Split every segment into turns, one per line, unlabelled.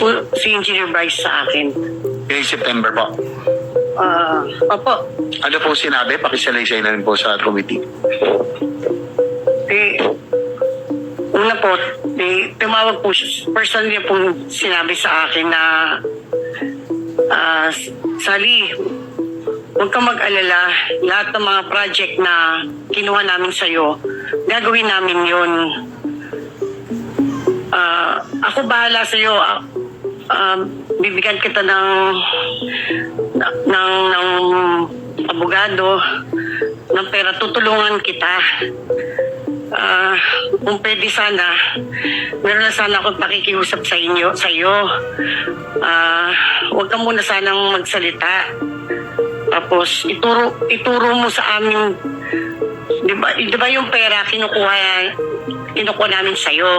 po si Engineer Bryce sa akin.
Ngayong September po.
Opo.
Ano po sinabi? Pakisalaysay na rin po sa committee.
Una po, tumawag po siya. Personally po sinabi sa akin na Sally, huwag kang mag-alala. Lahat ng mga project na kinuha namin sa'yo, gagawin namin yun. Ako bahala sa'yo. Bibigyan kita ng abogado, ng pera, tutulungan kita. Kung pwede sana, meron na sana akong pakikiusap sa iyo. Huwag ka muna sanang magsalita. Tapos ituro mo sa amin, di ba yung pera kinukuha namin sa iyo.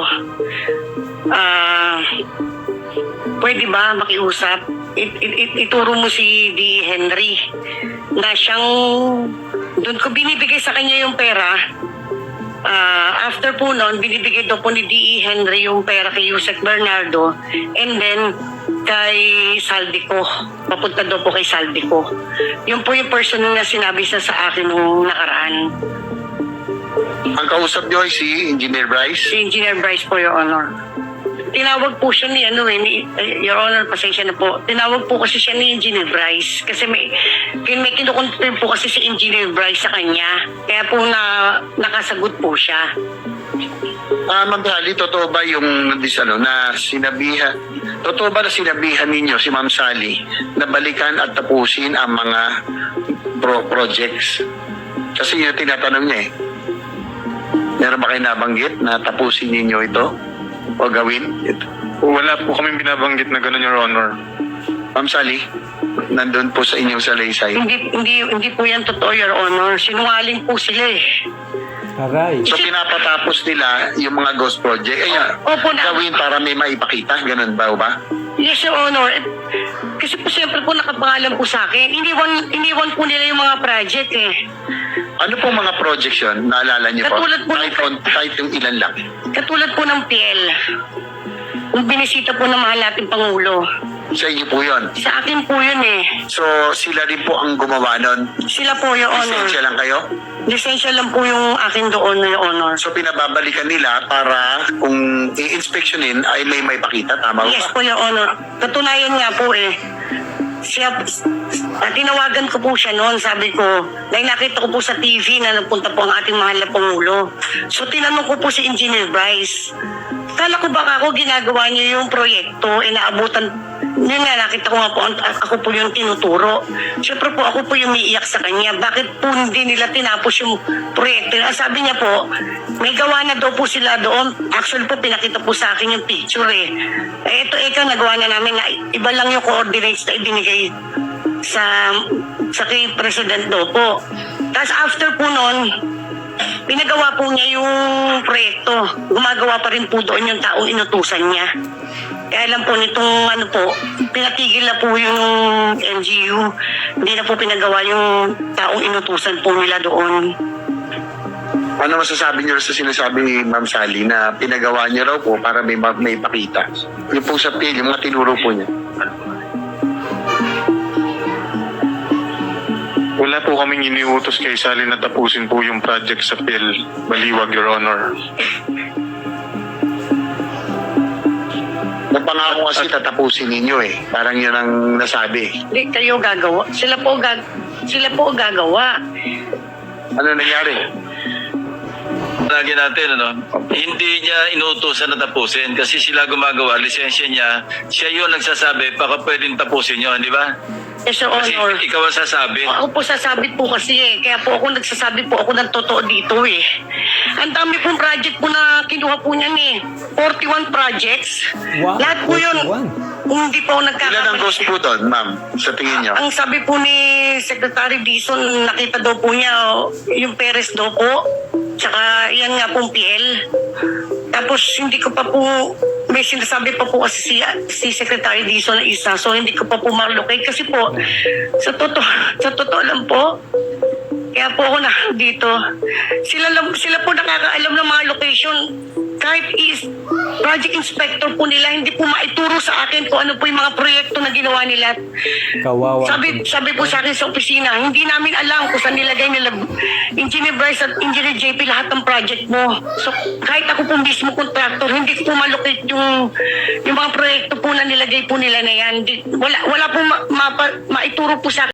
Pwede ba makiusap? Ituro mo si D. Henry na siyang doon ko binibigay sa kanya yung pera. After po noon, binibigay daw po ni D.E. Henry yung pera kay Yusek Bernardo and then kay Saldico. Papunta daw po kay Saldico. Yun po yung person na sinabi sa akin nung nakaraan.
Ang kausap niyo ay si Engineer Bryce?
Si Engineer Bryce po, Your Honor. Tinawag po siya ni Your Honor, pasensya na po. Tinawag po kasi siya ni Engineer Bryce kasi may kinukonfirm po kasi si Engineer Bryce sa kanya. Kaya po nakasagot po siya.
Ma'am Sally, totoo ba yung na sinabihan, totoo ba na sinabihan ninyo si Ma'am Sally na balikan at tapusin ang mga projects? Kasi yun tinatanong niya eh. Meron ba kayo nabanggit na tapusin ninyo ito? O gawin ito?
Wala po kaming binabanggit na gano'n, Your Honor.
Ma'am Sally, nandun po sa inyong salaysay.
Hindi po yan totoo, Your Honor. Sinungaling po sila eh.
Aray.
So pinapatapos nila yung mga ghost project.
Opo na.
Gawin para may maipakita. Ganun ba o ba?
Yes, Your Honor. Kasi po siyempre po nakapangalan po sa akin. Iniwan po nila yung mga project eh.
Ano pong mga projects yun? Naalala niyo po?
Katulad po
Kahit yung ilan lang.
Katulad po ng PL. Yung binisita po ng mahal nating Pangulo.
Sa inyo po yun.
Sa akin po yun eh.
So sila rin po ang gumawa nun.
Sila po, Your Honor.
Lisensya lang kayo?
Lisensya lang po yung akin doon, Your Honor.
So pinababalikan nila para kung i-inspectionin ay may pakita. Tama
Yes
ba?
po, Your Honor. Katunayan nga po eh. Tinawagan ko po siya noon, sabi ko, dahil nakita ko po sa TV na nagpunta po ang ating mahal na Pangulo. So tinanong ko po si Engineer Bryce, kala ko baka ako ginagawa niyo yung proyekto, inaabutan, yun nga, nakita ko nga po, ako po yung tinuturo. Siyempre po, ako po yung umiiyak sa kanya. Bakit po hindi nila tinapos yung proyekto? Sabi niya po, may gawa na daw po sila doon. Actually po, pinakita po sa akin yung picture eh. Ito nagawa na namin na iba lang yung coordinates na ibinigay sa kay President daw po. Tapos after po noon, pinagawa po niya yung proyekto. Gumagawa pa rin po doon yung taong inutusan niya. Kaya alam po nitong pinatigil na po yung NGU. Hindi na po pinagawa yung taong inutusan po nila doon.
Ano masasabi niyo sa sinasabi ni Ma'am Sally na pinagawa niya raw po para may pakita? Yung po sa PL, yung mga tinuro po niya.
Wala po kaming iniutos kay Sally na tapusin po yung project sa PIL. Baliwag, Your Honor.
Napangako kasi tatapusin ninyo eh. Parang yun ang nasabi.
Hindi kayo gagawa. Sila po gagawa.
Ano nangyari?
Lagi natin, hindi niya inuutosan na tapusin kasi sila gumagawa, lisensya niya, siya yun nagsasabi, baka pwedeng tapusin yun, di ba?
Yes, Your
Kasi
Honor.
ikaw ang sasabi.
Ako po sasabi po kasi eh. Kaya po ako nagsasabi po ako ng totoo dito eh. Ang dami pong project po na kinuha po niyan eh. 41 projects.
Wow,
Lahat po yun.
41.
Kung hindi po ako
Ilan ang
nagkakamali.
ghost po doon, ma'am? Sa tingin niyo?
Ang sabi po ni Secretary Dizon, nakita daw po niya yung Perez daw po. Tsaka yan nga pong PL. Tapos hindi ko pa po, may sinasabi pa po kasi si Secretary Dizon na isa. So hindi ko pa po marlocate kasi po, sa totoo lang po, Kaya po ako na dito. Sila po nakakaalam ng mga location. Kahit project inspector po nila, hindi po maituro sa akin kung ano po yung mga proyekto na ginawa nila.
Kawawa.
Sabi po sa akin sa opisina, hindi namin alam kung saan nilagay nila Engineer Bryce at Engineer JP lahat ng project mo. So kahit ako po mismo contractor, hindi ko po malocate yung mga proyekto po na nilagay po nila na yan. Wala po maituro po sa akin.